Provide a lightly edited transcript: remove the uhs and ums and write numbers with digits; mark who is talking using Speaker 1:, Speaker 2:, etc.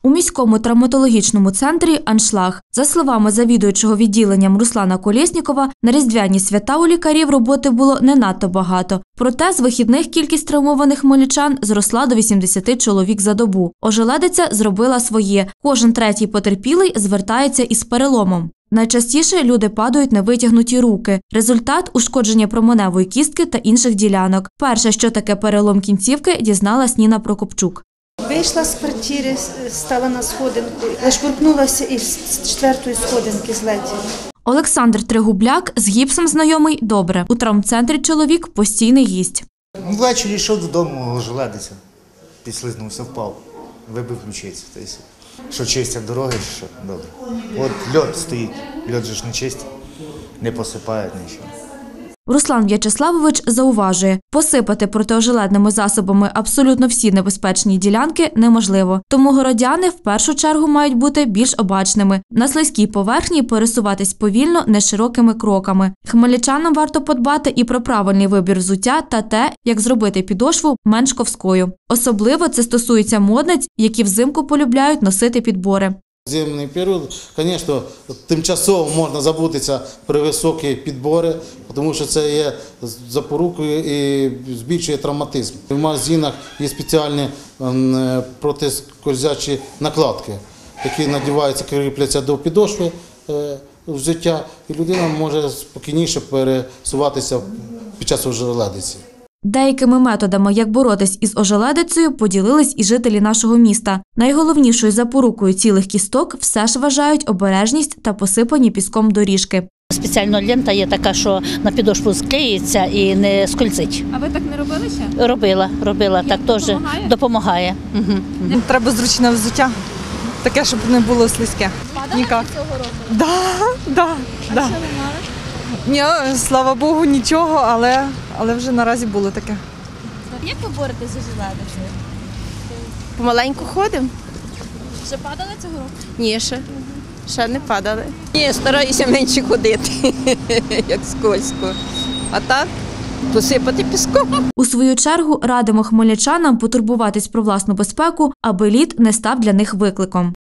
Speaker 1: У міському травматологічному центрі «Аншлаг». За словами завідуючого відділенням Руслана Колєснікова, на різдвяні свята у лікарів роботи було не надто багато. Проте з вихідних кількість травмованих хмельничан зросла до 80 чоловік за добу. Ожеледиця зробила своє. Кожен третій потерпілий звертається із переломом. Найчастіше люди падають на витягнуті руки. Результат – ушкодження променевої кістки та інших ділянок. Перше, що таке перелом кінцівки, дізналась Ніна Прокопчук.
Speaker 2: Вийшла з квартири, стала на сходинку, зашкуркнулася і з 4-ї сходинки злетіла.
Speaker 1: Олександр Тригубляк з гіпсом знайомий добре. У травмцентрі чоловік – постійний гість.
Speaker 3: Ввечері йшов додому, ожеледиця, підслизнувся, впав, вибив ключицю. Що чистять дороги, що добре. От льод стоїть, льод же ж не чистить, не посипають нічого.
Speaker 1: Руслан В'ячеславович зауважує, посипати протиожеледними засобами абсолютно всі небезпечні ділянки неможливо. Тому городяни в першу чергу мають бути більш обачними. На слизькій поверхні пересуватись повільно, неширокими кроками. Хмельничанам варто подбати і про правильний вибір взуття та те, як зробити підошву менш ковською. Особливо це стосується модниць, які взимку полюбляють носити підбори.
Speaker 4: Зимний період, звісно, тимчасово можна забутися про високі підбори, тому що це є запорукою і збільшує травматизм. В магазинах є спеціальні протискользячі накладки, які надіваються, кріпляться до підошви взуття, і людина може спокійніше пересуватися під час ожеледиці.
Speaker 1: Деякими методами, як боротись із ожеледицею, поділились і жителі нашого міста. Найголовнішою запорукою цілих кісток все ж вважають обережність та посипані піском доріжки.
Speaker 5: Спеціальна лента є така, що на підошву склеїться і не скользить.
Speaker 6: А ви так не робили ще?
Speaker 5: Робила. Так теж допомагає. Угу.
Speaker 7: Треба зручне взуття, таке, щоб не було слизьке.
Speaker 6: Падали цього року?
Speaker 7: Да.
Speaker 6: Що ви мали?
Speaker 7: Ні, слава Богу, нічого, але вже наразі було таке.
Speaker 6: Як ви боретесь з ожеледицею?
Speaker 8: Помаленьку ходимо?
Speaker 6: Вже падали цього року?
Speaker 8: Ні, ще не падали.
Speaker 9: Ні, стараюся менше ходити, як скользко. А так посипати піском.
Speaker 1: У свою чергу радимо хмельничанам потурбуватись про власну безпеку, аби лід не став для них викликом.